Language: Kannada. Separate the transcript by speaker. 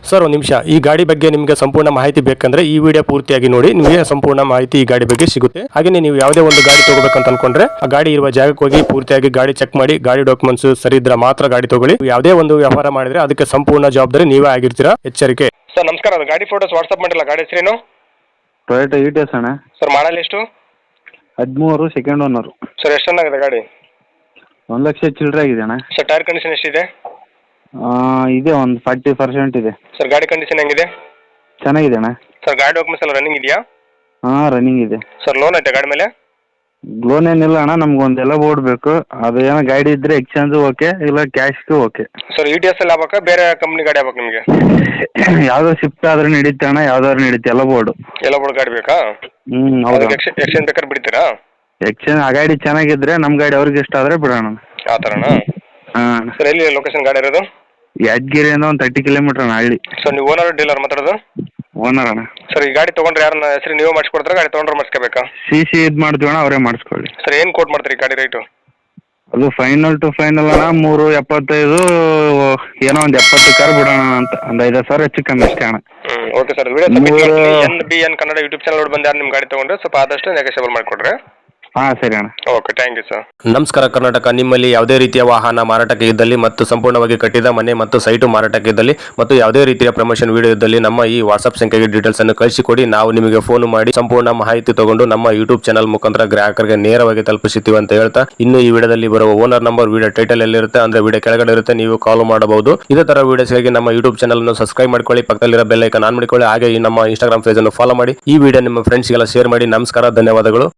Speaker 1: ಸರ್ ಒಂದು ನಿಮಿಷ, ಈ ಗಾಡಿ ಬಗ್ಗೆ ನಿಮಗೆ ಸಂಪೂರ್ಣ ಮಾಹಿತಿ ಬೇಕಂದ್ರೆ ಈ ವಿಡಿಯೋ ಪೂರ್ತಿಯಾಗಿ ನೋಡಿ, ನಿಮಗೆ ಸಂಪೂರ್ಣ ಮಾಹಿತಿ ಈ ಗಾಡಿ ಬಗ್ಗೆ ಸಿಗುತ್ತೆ. ಹಾಗೆ ನೀವು ಯಾವುದೇ ಒಂದು ಗಾಡಿ ತಗೋಬೇಕಂತ ಅನ್ಕೊಂಡ್ರೆ ಆ ಗಾಡಿ ಇರುವ ಜಾಗಕ್ಕೆ ಹೋಗಿ ಪೂರ್ತಿಯಾಗಿ ಗಾಡಿ ಚೆಕ್ ಮಾಡಿ, ಗಾಡಿ ಡಾಕ್ಯುಮೆಂಟ್ಸ್ ಸರಿ ಇದ್ರೆ ಮಾತ್ರ ಗಾಡಿ ತಗೊಳ್ಳಿ. ಯಾವುದೇ ಒಂದು ವ್ಯವಹಾರ ಮಾಡಿದ್ರೆ ಅದಕ್ಕೆ ಸಂಪೂರ್ಣ ಜವಾಬ್ದಾರಿ ನೀವೇ ಆಗಿರ್ತೀರಾ, ಎಚ್ಚರಿಕೆ. ಸರ್ ನಮಸ್ಕಾರ, ಅದು ಗಾಡಿ ಫೋಟೋಸ್ ವಾಟ್ಸ್ಆಪ್ ಮಾಡಿಲ್ಲ, ಗಾಡಿ ಹೆಸರೇನು?
Speaker 2: ಟೊಯೋಟಾ ಇಟಿಎಸ್ ಅಣ್ಣ.
Speaker 1: ಸರ್ ಮಾಡಲ್ ಎಷ್ಟು?
Speaker 2: 13 ಸೆಕೆಂಡ್ ಓನರು.
Speaker 1: ಸರ್ ಎಷ್ಟು ಚೆನ್ನಾಗಿದೆ ಗಾಡಿ?
Speaker 2: 1,00,000 ಚಿಲ್ಲರೆ ಆಗಿದೆ ಅಣ್ಣ.
Speaker 1: ಸರ್ ಟೈರ್ ಕಂಡೀಷನ್ ಎಷ್ಟಿದೆ?
Speaker 2: ಇದೆ ಒಂದು 40% ಇದೆ.
Speaker 1: ಸರ್ ಗಾಡಿ ಕಂಡೀಷನ್ ಹೆಂಗಿದೆ?
Speaker 2: ಚೆನ್ನಾಗಿದೆ ಅಣ್ಣ.
Speaker 1: ಸರ್ ಗಾಡಿ ಡಾಕ್ಯುಮೆಂಟ್ಸ್ ಎಲ್ಲ ರನ್ನಿಂಗ್ ಇದೆಯಾ?
Speaker 2: ಹಾಂ, ರನ್ನಿಂಗ್ ಇದೆ.
Speaker 1: ಸರ್ ಲೋನ್ ಐತೆ ಗಾಡಿ ಮೇಲೆ?
Speaker 2: ಲೋನ್ ಏನಿಲ್ಲ ಅಣ್ಣ, ನಮ್ಗೊಂದೆಲ್ಲ ಬೋರ್ಡ್ ಬೇಕು. ಅದು ಏನೋ ಗಾಡಿ ಇದ್ರೆ ಎಕ್ಸ್ಚೇಂಜ್ ಓಕೆ, ಇಲ್ಲ ಕ್ಯಾಶ್ಗೂ ಓಕೆ.
Speaker 1: ಸರ್ ಇಟಿಎಸ್ ಅಲ್ಲಿ ಆಗ್ಬೇಕಾ, ಬೇರೆ ಕಂಪ್ನಿ ಗಾಡಿ ಆಗ್ಬೇಕು ನಿಮಗೆ?
Speaker 2: ಯಾವುದೋ ಶಿಫ್ಟ್ ಆದ್ರೆ ನಡೀತೆ ಅಣ್ಣ, ಯಾವ್ದಾದ್ರು ನಡೀತೆ, ಎಲ್ಲ ಬೋರ್ಡು.
Speaker 1: ಎಲ್ಲ ಬೋರ್ಡ್ ಗಾಡಿ ಬೇಕಾ?
Speaker 2: ಹೌದು.
Speaker 1: ಎಕ್ಸ್ಚೇಂಜ್ ಬೇಕಾದ್ರೆ ಬಿಡ್ತೀರಾ?
Speaker 2: ಎಕ್ಸ್ಚೇಂಜ್ ಆ ಗಾಡಿ ಚೆನ್ನಾಗಿದ್ರೆ ನಮ್ಮ ಗಾಡಿ ಅವ್ರಿಗೆ ಇಷ್ಟ ಆದರೆ ಬಿಡೋಣ.
Speaker 1: ಆ ಥರನಾ?
Speaker 2: ಹಾಂ.
Speaker 1: ಸರ್ ಎಲ್ಲಿ ಲೊಕೇಶನ್ ಗಾಡಿ ಇರೋದು?
Speaker 2: ಯಾದಗಿರಿಯಿಂದ ಒಂದು 30 ಕಿಲೋಮೀಟರ್ ಅಣ್ಣ ಹಳ್ಳಿ.
Speaker 1: ಸರ್ ನೀವು ಓನರ್ ಡೀಲರ್ ಮಾತಾಡೋದು?
Speaker 2: ಓನರ್ ಅಣ್ಣ.
Speaker 1: ಸರ್ ಈ ಗಾಡಿ ತೊಗೊಂಡ್ರೆ ಯಾರನ್ನ ಹೆಸರು ನೀವು ಮಾಡಿಸ್ಕೊಡ್ತಾರೆ, ಗಾಡಿ ತೊಗೊಂಡ್ರೆ ಮಾಡಿಸ್ಕೋಬೇಕಾ?
Speaker 2: CC ಇದು ಮಾಡ್ತೀವಿ ಅಣ್ಣ, ಅವರೇ ಮಾಡಿಸ್ಕೊಳ್ಳಿ.
Speaker 1: ಸರ್ ಏನು ಕೋಟ್ ಮಾಡ್ತೀರಿ ಗಾಡಿ ರೇಟು?
Speaker 2: ಅದು ಫೈನಲ್ ಟು ಫೈನಲ್ ಅಣ್ಣ 3.75, ಏನೋ ಒಂದು 70 ಕಾರ್ ಬಿಡೋಣ ಅಂತ, ಒಂದು 5,000 ಹೆಚ್ಚು ಕಮ್ಮಿ ಅಷ್ಟೇ ಅಣ್ಣ.
Speaker 1: Okay sir, video NBN Kannada YouTube channel ನೋಡಿ ಬಂದು ಯಾರು ನಿಮ್ಮ ಗಾಡಿ ತೊಗೊಂಡ್ರೆ ಸ್ವಲ್ಪ ಆದಷ್ಟು ನೆಗೋಷಿಯಬಲ್ ಮಾಡಿಕೊಡ್ರಿ.
Speaker 2: ಹಾಂ ಸರಿ ಅಣ್ಣ.
Speaker 1: Okay, thank you sir. ನಮಸ್ಕಾರ ಕರ್ನಾಟಕ. ನಿಮ್ಮಲ್ಲಿ ಯಾವುದೇ ರೀತಿಯ ವಾಹನ ಮಾರಾಟಕ್ಕೆ ಇದ್ದಲ್ಲಿ ಮತ್ತು ಸಂಪೂರ್ಣವಾಗಿ ಕಟ್ಟಿದ ಮನೆ ಮತ್ತು ಸೈಟು ಮಾರಾಟಕ್ಕೆ ಇದ್ದಲ್ಲಿ ಮತ್ತು ಯಾವುದೇ ರೀತಿಯ ಪ್ರಮೋಷನ್ ವಿಡಿಯೋ ಇದ್ದಲ್ಲಿ ನಮ್ಮ ಈ ವಾಟ್ಸ್ಆಪ್ ಸಂಖ್ಯೆಗೆ ಡೀಟೇಲ್ಸ್ ಅನ್ನು ಕಳಿಸಿಕೊಡಿ. ನಾವು ನಿಮಗೆ ಫೋನ್ ಮಾಡಿ ಸಂಪೂರ್ಣ ಮಾಹಿತಿ ತಗೊಂಡು ನಮ್ಮ ಯೂಟ್ಯೂಬ್ ಚಾನಲ್ ಮುಖಾಂತರ ಗ್ರಾಹಕರಿಗೆ ನೇರವಾಗಿ ತಲುಪಿಸುತ್ತೀವಿ ಅಂತ ಹೇಳ್ತಾ, ಇನ್ನು ಈ ವಿಡಿಯೋದಲ್ಲಿ ಬರುವ ಓನರ್ ನಂಬರ್ ವಿಡಿಯೋ ಟೈಟಲ್ ಎಲ್ಲಿರುತ್ತೆ ಅಂದ್ರೆ ವಿಡಿಯೋ ಕೆಳಗಡೆ ಇರುತ್ತೆ, ನೀವು ಕಾಲ್ ಮಾಡಬಹುದು. ಇದೇ ತರ ವಿಡಿಯೋಸ್ಗಾಗಿ ನಮ್ಮ ಯೂಟ್ಯೂಬ್ ಚಾನಲ್ ಅನ್ನು ಸಬ್ಸ್ಕ್ರೈಬ್ ಮಾಡ್ಕೊಳ್ಳಿ, ಪಕ್ಕದಲ್ಲಿರೋ ಬೆಲ್ ಐಕಾನ್ ಆನ್ ಮಾಡಿಕೊಳ್ಳಿ. ಹಾಗೆ ಈ ನಮ್ಮ ಇನ್ಸ್ಟಾಗ್ರಾಮ್ ಪೇಜ್ ಅನ್ನು ಫಾಲೋ ಮಾಡಿ. ಈ ವಿಡಿಯೋ ನಿಮ್ಮ ಫ್ರೆಂಡ್ಸ್ಗೆಲ್ಲ ಶೇರ್ ಮಾಡಿ. ನಮಸ್ಕಾರ, ಧನ್ಯವಾದಗಳು.